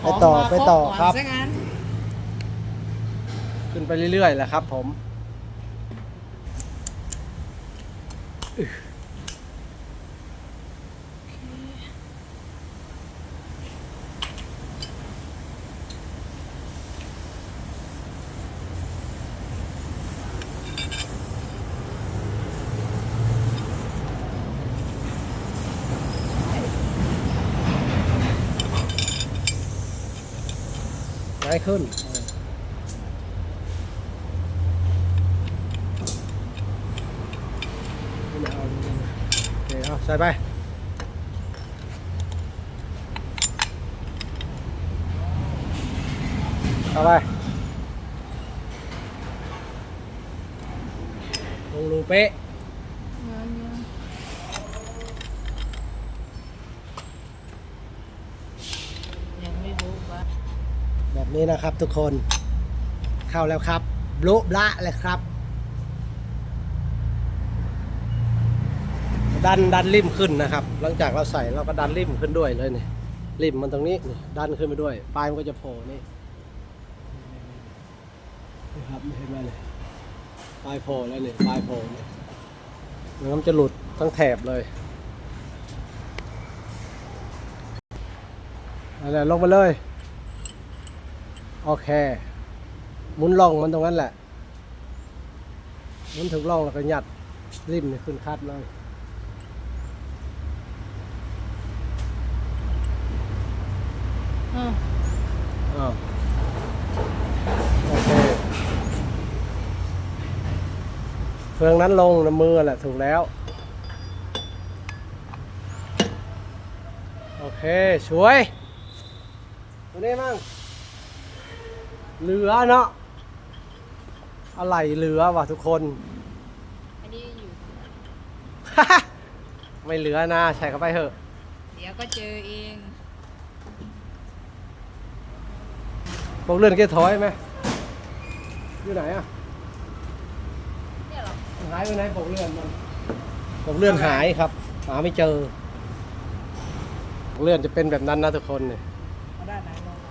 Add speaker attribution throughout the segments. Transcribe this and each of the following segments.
Speaker 1: ไปต่อครับ
Speaker 2: ซะงั้น
Speaker 1: ขึ้นไปเรื่อยๆแหละครับผมง่ายขึ้นโอเคเอาใส่ไปเอาไปลงรูเป๊ะ
Speaker 2: ยังไม่รู้ว่า
Speaker 1: แบบนี้นะครับทุกคนเข้าแล้วครับโบ๊ะบละเลยครับ ดันริมขึ้นนะครับหลังจากเราใส่เราก็ดันริมขึ้นด้วยเลยนี่ริมมันตรงนี้นี่ดันขึ้นไปด้วยปลายมันก็จะโผล่นี่นี่ครับเห็นไหมเลยปลายโผล่แล้วนี่ปลายโผล่นี่มันจะหลุดทั้งแถบเลยอะไรลงไปเลยโอเคหมุนล่องมันตรงนั้นแหละหมุนถึงล่องแล้วก็ยัดริมนี่ขึ้นคัดเลยอ้าวโอเคเฟืองนั้นลงน้ำมือแหละถูกแล้วโอเคช่วยตัวนี้มั่งเหลือเนาะอะไรเหลือวะทุกคน
Speaker 2: อันนี้อยู่
Speaker 1: ไม่เหลือนะใส่เข้าไปเถอะ
Speaker 2: เดี๋ยวก็เจอเอง
Speaker 1: พวกเลื่อนเกียร์ถอยไหมอยู่ไหนอ่ะ
Speaker 2: เนี่ยเหรอ
Speaker 1: หายไปไหนพวกเลื่อนมันพวกเลื่อนหายครับหาไม่เจอพวกเลื่อนจะเป็นแบบนั้นนะทุกคนเนี่ย
Speaker 2: เอาด้านไหนลง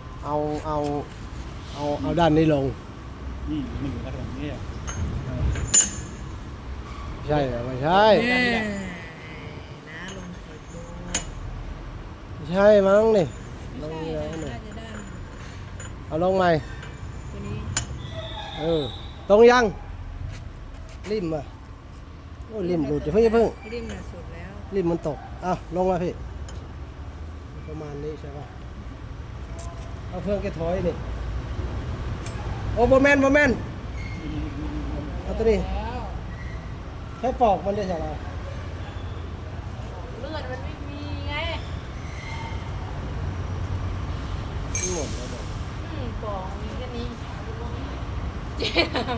Speaker 1: เอาด้านนี้ลง
Speaker 3: นี่มันอยู่ระดับนี้อ่ะ
Speaker 1: ใช่เหรอไม่ใช่
Speaker 2: นะลงเปิดดู
Speaker 1: ไม่ใช่มั้งนี่ล
Speaker 2: ใช่
Speaker 1: งแล้ว
Speaker 2: น่า
Speaker 1: นี่
Speaker 2: จะด้าน
Speaker 1: เอาลงใหม่
Speaker 2: ตัวนี้
Speaker 1: ตรงยังริมอ่ะโอ้ยริมหลุดจะเพิ่ง
Speaker 2: ริมน่ะสุดแล้ว
Speaker 1: ริมมันตกลงมาพี่ประมาณนี้ใช่ป่ะเอาเฟืองแกถอยนี่โอ้โบแมนเอาตัวนี้
Speaker 2: แล้ว
Speaker 1: ให้ปอกมันได้ใช่ไหม
Speaker 2: เลือดมันไม่มีไง
Speaker 1: หมดแล้วบอก
Speaker 2: ปองมีแค่นี้เจ๊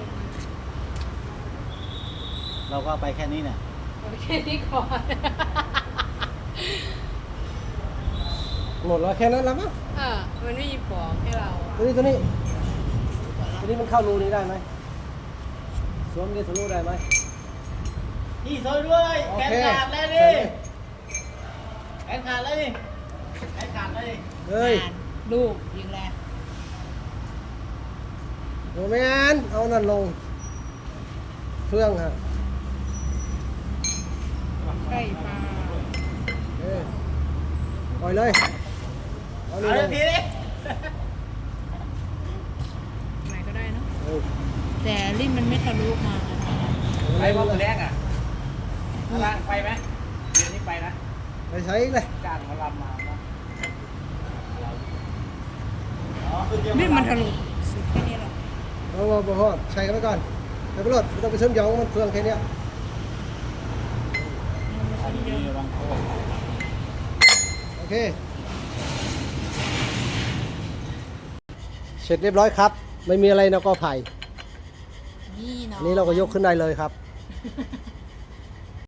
Speaker 3: เราก็ไปแค่นี้เนี่ย
Speaker 2: เอาแค่นี้ก่อน
Speaker 1: หมดแล้วแค่นั้นแล้วมั้ง
Speaker 2: มันไม่มีปองให้เรา
Speaker 1: ตัวนี้มันเข้ารูนี้ได้ไหมสวมนี่ทะลุได้ไหม
Speaker 3: นี่ซอยด้วย
Speaker 1: โอ
Speaker 3: แขน
Speaker 1: เค
Speaker 3: ขาดเลยดิแขนขาดเลยแขนขาดเลย
Speaker 1: เฮ้ย
Speaker 2: ลูกยิงแรง
Speaker 1: โบแมนเอานั่นลงเฟืองฮะ
Speaker 2: ใกล้ปลา
Speaker 1: ปล่อยเลยเอา
Speaker 3: เอา
Speaker 1: นี่ล
Speaker 3: เดี๋ยว
Speaker 1: ง
Speaker 3: ทีนี้
Speaker 2: ไหนก็ได้เนอะ
Speaker 1: เออ
Speaker 2: แต่ลิ้นมันไม่ทะลุมา
Speaker 3: ไปว่ามือแรงอ่ะพลังไปไหมเดี๋ยวนี้ไปนะ
Speaker 1: ไปใช้เลย
Speaker 3: จ้างเขาลำมาเนาะ
Speaker 2: ลิ้นมันทะลุสุดแค่นี้หรอ
Speaker 1: พอใช้กันไปก่อนไปรถไม่ต้องไปเชื่อมโยงมันเฟืองแค่เนี้ย
Speaker 3: อันนี้วางโค้ง
Speaker 1: โอเคเสร็จเรียบร้อยครับ ไม่มีอะไรนะก็ไผ่
Speaker 2: นี่เนาะ
Speaker 1: อันนี้เราก็ยกขึ้นได้เลยครับ